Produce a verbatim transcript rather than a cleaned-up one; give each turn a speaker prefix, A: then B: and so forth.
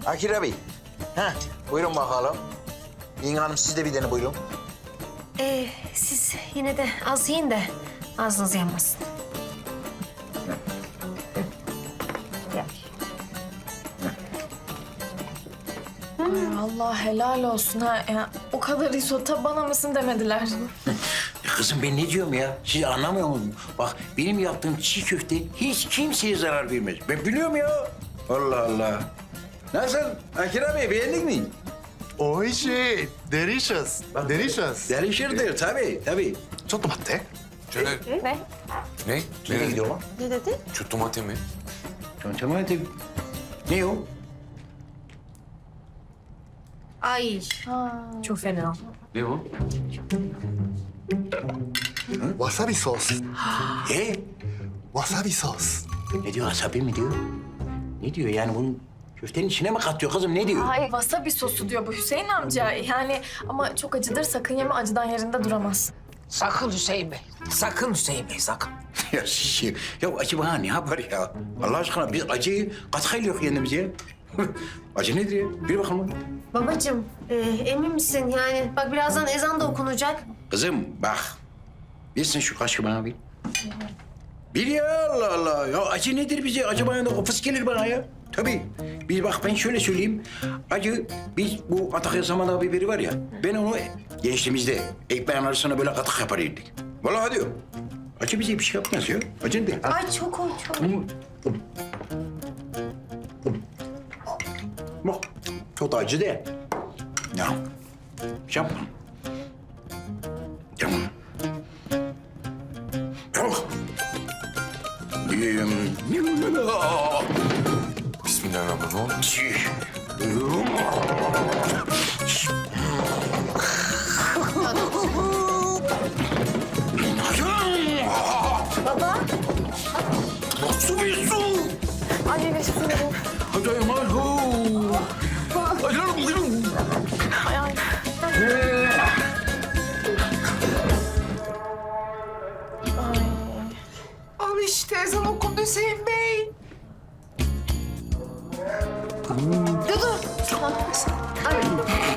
A: Akira Bey. Heh, buyurun bakalım. Yenge Hanım siz de bir dene buyurun.
B: Ee, siz yine de az yiyin de ağzınız yanmasın.
C: Ay Allah helal olsun ha. Ya, o kadar risotto bana mısın demediler.
A: Ya kızım ben ne diyorum ya? Siz anlamıyor musunuz? Bak benim yaptığım çiğ köfte hiç kimseye zarar vermez. Ben biliyorum ya. Allah Allah. Nasıl? Akira Bey beğendin mi?
D: 오이시, delicious, delicious.
A: Delişirdir tabii tabii.
D: 조또마테?
E: Şöyle...
B: Ne?
E: Ne?
A: Nereye gidiyor lan?
B: Ne dedi?
E: Şu tomate mi?
A: Tamam hadi. Ne o?
B: Ay. Çok fena.
E: Ne o?
D: 와사비 소스,
A: E?
D: 와사비 소스.
A: Ne diyor? Asabi mi diyor? Ne diyor yani bunun köftenin içine mi katıyor kızım ne diyor?
C: Ay wasabi sosu diyor bu Hüseyin amca. Yani ama çok acıdır sakın yeme acıdan yerinde duramaz.
F: Sakın Hüseyin Bey. Sakın Hüseyin Bey sakın.
A: Ya şey, ya acı bana ne yapar ya? Allah aşkına biz acıyı katkıyla yok kendimize. Acı nedir ya? Bir bakalım.
B: Babacığım, e, emin misin? Yani bak birazdan ezan da okunacak.
A: Kızım bak. Bilsin şu kaşığı bana bir. Bir ya Allah Allah. Ya acı nedir bize? Acı bana da ofis gelir bana ya. Tabii. Bir bak ben şöyle söyleyeyim. Acı biz bu Antakya Samandağ biberi var ya. Ben onu gençliğimizde ekmeğin arasına böyle katık yapar yedik. Vallahi diyor. Acı bize bir şey yapmaz ya. Acı ne?
B: Ay çok o çok.
A: Bak, çok da acı değil. Ya, yapma. Tamam. Oh. Yiyeyim.
E: Bismillahirrahmanirrahim.
B: Baba.
A: Nasıl bir su?
C: Ay ne sinirli.
A: Hadi ayağım.
C: Ay ay.
F: Al işte ezan okundu Hüseyin Bey.
B: Ay.